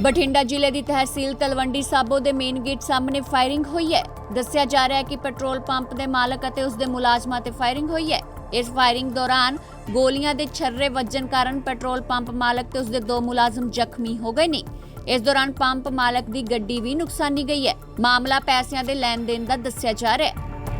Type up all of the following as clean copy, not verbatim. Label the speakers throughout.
Speaker 1: ਬਠਿੰਡਾ ਜ਼ਿਲ੍ਹੇ ਦੀ ਤਹਿਸੀਲ ਤਲਵੰਡੀ ਸਾਬੋ ਦੇ main gate ਸਾਹਮਣੇ ਫਾਇਰਿੰਗ ਹੋਈ ਹੈ। ਦੱਸਿਆ ਜਾ ਰਿਹਾ ਹੈ ਕਿ ਪੈਟਰੋਲ ਪੰਪ ਦੇ ਮਾਲਕ ਅਤੇ ਉਸ ਦੇ ਮੁਲਾਜ਼ਮਾਂ ਤੇ ਫਾਇਰਿੰਗ ਹੋਈ ਹੈ। ਇਸ ਫਾਇਰਿੰਗ ਦੌਰਾਨ ਗੋਲੀਆਂ ਦੇ ਛर्रे ਵੱਜਣ ਕਾਰਨ ਪੈਟਰੋਲ ਪੰਪ ਮਾਲਕ ਤੇ ਉਸ ਦੇ 2 ਮੁਲਾਜ਼ਮ ਜ਼ਖਮੀ ਹੋ ਗਏ ਨੇ। ਇਸ ਦੌਰਾਨ ਪੰਪ ਮਾਲਕ ਦੀ ਗੱਡੀ ਵੀ ਨੁਕਸਾਨੀ ਗਈ ਹੈ। ਮਾਮਲਾ ਪੈਸਿਆਂ ਦੇ ਲੈਣ ਦੇਣ ਦਾ ਦੱਸਿਆ ਜਾ ਰਿਹਾ ਹੈ।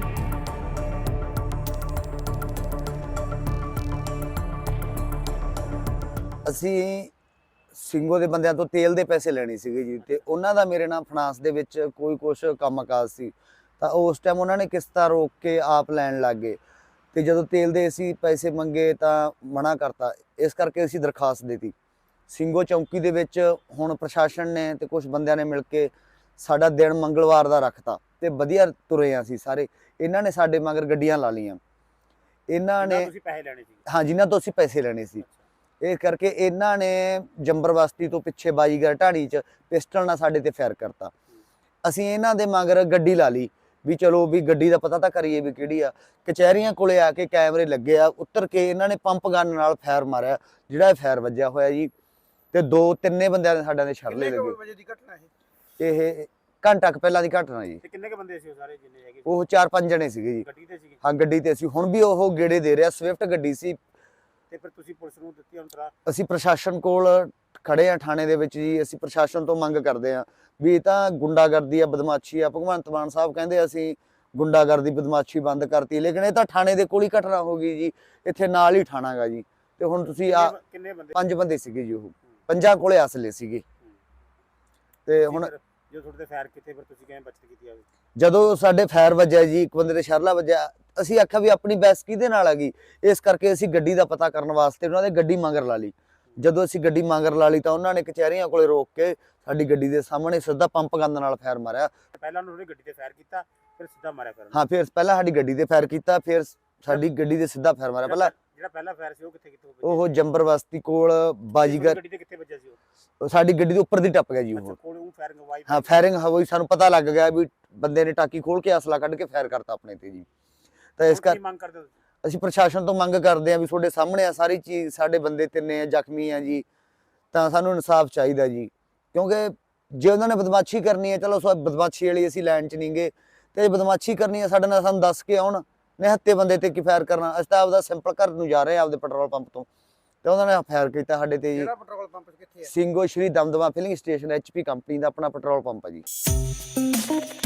Speaker 2: ਅਸੀਂ ਸਿੰਘੋ ਦੇ ਬੰਦਿਆਂ ਤੋਂ ਤੇਲ ਦੇ ਪੈਸੇ ਲੈਣੇ ਸੀਗੇ ਜੀ, ਤੇ ਉਹਨਾਂ ਦਾ ਮੇਰੇ ਨਾਲ ਫਾਈਨਾਂਸ ਦੇ ਵਿੱਚ ਕੋਈ ਕੁਛ ਕੰਮਕਾਜ ਸੀ, ਤਾਂ ਉਸ ਟਾਈਮ ਉਹਨਾਂ ਨੇ ਕਿਸ਼ਤਾਂ ਰੋਕ ਕੇ ਆਪ ਲੈਣ ਲੱਗ ਗਏ। ਤੇ ਜਦੋਂ ਤੇਲ ਦੇ ਅਸੀਂ ਪੈਸੇ ਮੰਗੇ ਤਾਂ ਮਨਾ ਕਰਤਾ। ਇਸ ਕਰਕੇ ਅਸੀਂ ਦਰਖਾਸਤ ਦਿੱਤੀ ਸਿੰਘੋ ਚੌਂਕੀ ਦੇ ਵਿੱਚ। ਹੁਣ ਪ੍ਰਸ਼ਾਸਨ ਨੇ ਤੇ ਕੁਝ ਬੰਦਿਆਂ ਨੇ ਮਿਲ ਕੇ ਸਾਡਾ ਦਿਨ ਮੰਗਲਵਾਰ ਦਾ ਰੱਖਤਾ ਤੇ ਵਧੀਆ ਤੁਰੇ ਆ ਅਸੀਂ ਸਾਰੇ। ਇਹਨਾਂ ਨੇ ਸਾਡੇ ਮਗਰ ਗੱਡੀਆਂ ਲਾ ਲਈਆਂ। ਇਹਨਾਂ ਨੇ
Speaker 3: ਪੈਸੇ ਲੈਣੇ ਸੀ?
Speaker 2: ਹਾਂ, ਜਿਨ੍ਹਾਂ ਤੋਂ ਅਸੀਂ ਪੈਸੇ ਲੈਣੇ ਸੀ। ਇਸ ਕਰਕੇ ਇਹਨਾਂ ਨੇ ਜੰਬਰ ਬਸਤੀ ਤੋਂ ਪਿੱਛੇ ਬਾਜੀਗਰ ਢਾਣੀ 'ਚ ਪਿਸਟਲ ਨਾਲ ਸਾਡੇ ਤੇ ਫਾਇਰ ਕਰਤਾ। ਅਸੀਂ ਇਹਨਾਂ ਦੇ ਮਗਰ ਗੱਡੀ ਲਾ ਲਈ ਵੀ ਚਲੋ ਵੀ ਗੱਡੀ ਦਾ ਪਤਾ ਤਾਂ ਕਰੀਏ ਵੀ ਕਿਹੜੀ ਆ। ਕਚਹਿਰੀਆਂ ਕੋਲੇ ਆ ਕੇ ਕੈਮਰੇ ਲੱਗੇ ਆ, ਉੱਤਰ ਕੇ ਇਹਨਾਂ ਨੇ ਪੰਪ ਗਨ ਨਾਲ ਫਾਇਰ ਮਾਰਿਆ, ਜਿਹੜਾ ਇਹ ਫਾਇਰ ਵੱਜਿਆ ਹੋਇਆ ਜੀ। ਤੇ 2-3 ਬੰਦਿਆਂ ਦੇ ਸਾਡਿਆਂ ਦੇ ਛਰਲੇ ਲੱਗੇ।
Speaker 3: ਕਿੰਨੇ ਵਜੇ ਦੀ ਘਟਨਾ
Speaker 2: ਇਹ ਘੰਟਾ ਕੁ ਪਹਿਲਾਂ ਦੀ ਘਟਨਾ ਜੀ।
Speaker 3: ਤੇ ਕਿੰਨੇ ਕ ਬੰਦੇ ਸੀ ਉਹ ਸਾਰੇ ਜਿੰਨੇ ਹੈਗੇ?
Speaker 2: ਉਹ 4-5 ਜਣੇ ਸੀਗੇ ਜੀ।
Speaker 3: ਗੱਡੀ ਤੇ ਸੀਗੇ?
Speaker 2: ਹਾਂ, ਗੱਡੀ ਤੇ ਸੀ। ਹੁਣ ਵੀ ਉਹ ਗੇੜੇ ਦੇ ਰਿਹਾ, ਸਵਿਫਟ ਗੱਡੀ ਸੀ।
Speaker 3: ਤੇ ਫਿਰ ਤੁਸੀਂ ਪੁਲਿਸ ਨੂੰ ਦਿੱਤੀ ਹੁਣ ਤਰਾ?
Speaker 2: ਅਸੀਂ ਪ੍ਰਸ਼ਾਸਨ ਕੋਲ ਖੜੇ ਆ ਥਾਣੇ ਦੇ ਵਿੱਚ ਜੀ। ਅਸੀਂ ਪ੍ਰਸ਼ਾਸਨ ਤੋਂ ਮੰਗ ਕਰਦੇ ਆ ਵੀ ਇਹ ਤਾਂ ਗੁੰਡਾਗਰਦੀ ਆ, ਬਦਮਾਸ਼ੀ ਆ। ਭਗਵੰਤ ਮਾਨ ਸਾਹਿਬ ਕਹਿੰਦੇ ਅਸੀਂ ਗੁੰਡਾਗਰਦੀ ਬਦਮਾਸ਼ੀ ਬੰਦ ਕਰਤੀ, ਲੇਕਿਨ ਇਹ ਤਾਂ ਥਾਣੇ ਦੇ ਕੋਲ ਹੀ ਘਟਨਾ ਹੋ ਗਈ ਜੀ। ਇੱਥੇ ਨਾਲ ਹੀ ਥਾਣਾ ਗਾ ਜੀ। ਤੇ ਹੁਣ ਤੁਸੀਂ ਆ
Speaker 3: ਕਿੰਨੇ ਬੰਦੇ?
Speaker 2: 5 ਬੰਦੇ ਸੀਗੇ ਜੀ। ਉਹ 5 ਕੋਲੇ ਅਸਲੇ ਸੀਗੇ। ਤੇ ਹੁਣ
Speaker 3: ਜੋ ਤੁਹਾਡੇ ਤੇ ਫਾਇਰ ਕੀਤੇ ਫਿਰ ਤੁਸੀਂ ਕਿਵੇਂ ਬਚਤ ਕੀਤੀ ਆਵੇ?
Speaker 2: ਜਦੋਂ ਸਾਡੇ ਫਾਇਰ ਵੱਜਿਆ ਜੀ, ਇੱਕ ਬੰਦੇ ਦੇ ਸ਼ਰਲਾ ਵੱਜਿਆ, ਅਸੀਂ ਆਖਿਆ ਵੀ ਆਪਣੀ ਬੈਸ ਕਿਹਦੇ ਨਾਲ ਆ ਗਈ। ਇਸ ਕਰਕੇ ਅਸੀਂ ਗੱਡੀ ਦਾ ਪਤਾ ਕਰਨ ਵਾਸਤੇ ਉਹਨਾਂ ਦੇ ਗੱਡੀ ਮਗਰ ਲਾ ਲਈ। ਜਦੋਂ ਅਸੀਂ ਗੱਡੀ ਮਗਰ ਲਾ ਲਈ ਤਾਂ ਉਹਨਾਂ ਨੇ ਕਚਹਿਰੀਆਂ ਕੋਲੇ ਰੋਕ ਕੇ ਸਾਡੀ ਗੱਡੀ ਦੇ ਸਾਹਮਣੇ ਸਿੱਧਾ ਪੰਪ ਗਨ ਨਾਲ ਫਾਇਰ ਮਾਰਿਆ।
Speaker 3: ਪਹਿਲਾਂ ਉਹਨਾਂ ਨੇ ਗੱਡੀ ਤੇ ਫਾਇਰ ਕੀਤਾ, ਫਿਰ ਸਿੱਧਾ ਮਾਰਿਆ ਫਿਰ?
Speaker 2: ਹਾਂ, ਫਿਰ ਪਹਿਲਾਂ ਸਾਡੀ ਗੱਡੀ ਤੇ ਫਾਇਰ ਕੀਤਾ, ਫਿਰ ਸਾਡੀ ਗੱਡੀ ਦੇ ਸਿੱਧਾ ਫਾਇਰ ਮਾਰਿਆ। ਪਹਿਲਾਂ
Speaker 3: ਜਿਹੜਾ ਪਹਿਲਾ ਫਾਇਰ ਸੀ ਉਹ ਕਿੱਥੇ
Speaker 2: ਉਹ ਜੰਬਰ ਬਸਤੀ ਕੋਲ ਬਾਜੀਗਰ।
Speaker 3: ਗੱਡੀ ਤੇ ਕਿੱਥੇ ਵੱਜਿਆ ਸੀ
Speaker 2: ਉਹ ਸਾਡੀ ਗੱਡੀ ਦੇ ਉੱਪਰ ਦੀ ਟੱਪ ਗਿਆ ਜੀ ਉਹ।
Speaker 3: ਕੋਲ ਉਹ ਫਾਇਰਿੰਗ ਹੋਈ?
Speaker 2: ਹਾਂ, ਫਾਇਰਿੰਗ ਹੋਈ। ਸਾਨੂੰ ਪਤਾ ਲੱਗ ਗਿਆ ਵੀ ਬੰਦੇ ਨੇ ਟਾਕੀ ਖੋਲ ਕੇ ਅਸਲਾ ਕੱਢ ਕੇ ਫਾਇਰ ਕਰਤਾ ਆਪਣੇ ਤੇ ਜੀ। ਤਾਂ ਇਸ ਕਰ
Speaker 3: ਮੰਗ ਕਰਦੇ
Speaker 2: ਅਸੀਂ ਪ੍ਰਸ਼ਾਸਨ ਤੋਂ ਮੰਗ ਕਰਦੇ ਆ ਵੀ ਤੁਹਾਡੇ ਸਾਹਮਣੇ ਆ ਸਾਰੀ ਚੀਜ਼। ਸਾਡੇ ਬੰਦੇ 3 ਜ਼ਖਮੀ ਆ ਜੀ, ਤਾਂ ਸਾਨੂੰ ਇਨਸਾਫ ਚਾਹੀਦਾ ਜੀ। ਕਿਉਂਕਿ ਜੇ ਉਹਨਾਂ ਨੇ ਬਦਮਾਸ਼ੀ ਕਰਨੀ ਹੈ, ਚਲੋ ਬਦਮਾਸ਼ੀ ਵਾਲੀ ਅਸੀਂ ਲਾਈਨ 'ਚ ਨਹੀਂ ਗਏ, ਤੇ ਬਦਮਾਸ਼ੀ ਕਰਨੀ ਹੈ ਸਾਡੇ ਨਾਲ ਸਾਨੂੰ ਦੱਸ ਕੇ ਆਉਣ। ਨਿਹੱਤੇ ਬੰਦੇ ਤੇ ਕੀ ਫਾਇਰ ਕਰਨਾ? ਅਸੀਂ ਤਾਂ ਆਪਦਾ ਸਿੰਪਲ ਘਰ ਨੂੰ ਜਾ ਰਹੇ ਆ ਆਪਦੇ ਪੈਟਰੋਲ ਪੰਪ ਤੋਂ, ਤੇ ਉਹਨਾਂ ਨੇ ਫਾਇਰ ਕੀਤਾ ਸਾਡੇ ਤੇ ਜੀ।
Speaker 3: ਕਿਹੜਾ ਪੈਟਰੋਲ ਪੰਪ ਕਿੱਥੇ ਹੈ?
Speaker 2: Singho Shri Damdama filling station HP company ਦਾ ਆਪਣਾ ਪੈਟਰੋਲ ਪੰਪ ਹੈ ਜੀ।